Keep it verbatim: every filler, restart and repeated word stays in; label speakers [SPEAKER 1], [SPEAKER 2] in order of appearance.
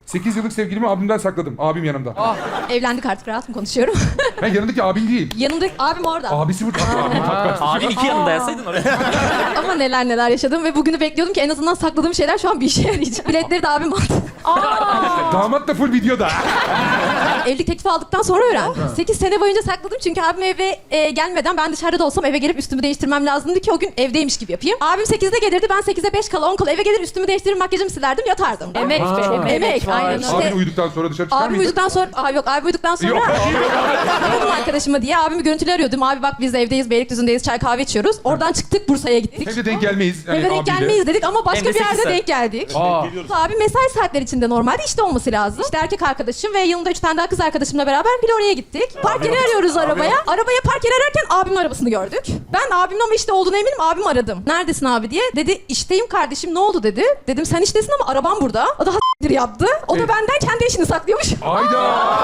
[SPEAKER 1] sekiz yıllık sevgilimi abimden sakladım. Abim yanımda.
[SPEAKER 2] Ah.
[SPEAKER 3] Evlendik artık, rahat mı konuşuyorum?
[SPEAKER 1] Ben yanındaki abin değil.
[SPEAKER 3] Yanımda abim orada.
[SPEAKER 1] Abisi burada. Abim tat kat.
[SPEAKER 2] Abin iki yanında yazsaydın oraya.
[SPEAKER 3] Ama neler neler yaşadım ve bugünü bekliyordum ki en azından sakladığım şeyler şu an bir işe yarayacak. Biletleri de abim aldı.
[SPEAKER 1] Damat da full videoda.
[SPEAKER 3] Evlilik teklifi aldıktan sonra öğrendim. sekiz sene boyunca sakladım çünkü abim eve e, gelmeden ben dışarıda da olsam eve gelip üstümü değiştirmem lazımdı ki o gün evdeymiş gibi yapayım. Abim sekizde gelirdi, ben sekize beş kala on kala eve gelir üstümü değiştirir, makyajımı silerdim, yatardım.
[SPEAKER 2] Emek be, emek,
[SPEAKER 3] Emek,
[SPEAKER 2] var.
[SPEAKER 3] aynen işte.
[SPEAKER 1] Abin uyuduktan sonra dışarı çıkar
[SPEAKER 3] Abim
[SPEAKER 1] mıydın?
[SPEAKER 3] uyuduktan sonra, Aa, yok abim uyuduktan sonra
[SPEAKER 1] Yok.
[SPEAKER 3] aradım arkadaşıma diye abimi görüntülü arıyordum. Abi bak biz evdeyiz, Beylikdüzü'ndeyiz, çay kahve içiyoruz. Oradan çıktık, Bursa'ya gittik.
[SPEAKER 1] Hem de denk gelmeyiz. Yani
[SPEAKER 3] Eve denk
[SPEAKER 1] abiyle.
[SPEAKER 3] gelmeyiz dedik ama başka
[SPEAKER 2] Hem de
[SPEAKER 3] bir yerde
[SPEAKER 2] sekiz saat.
[SPEAKER 3] denk geldik.
[SPEAKER 1] Aa.
[SPEAKER 3] Abi mesai saatleri içinde normalde işte olması lazım. İşte erkek arkadaşım ve yanımda üç tane daha kız arkadaşımla beraber bir oraya gittik. Park yeri arıyoruz arabaya. Arabaya park yeri ararken abimin arabasını gördük. Ben abimin ama işte olduğunu eminim, abimi aradım. Neredesin abi diye. Dedi işteyim kardeşim, ne oldu dedi. Dedim sen iştesin ama arabam burada. O da ha**tir yaptı. O da
[SPEAKER 1] Evet.
[SPEAKER 3] benden kendi işini saklıyormuş.
[SPEAKER 1] Ayda.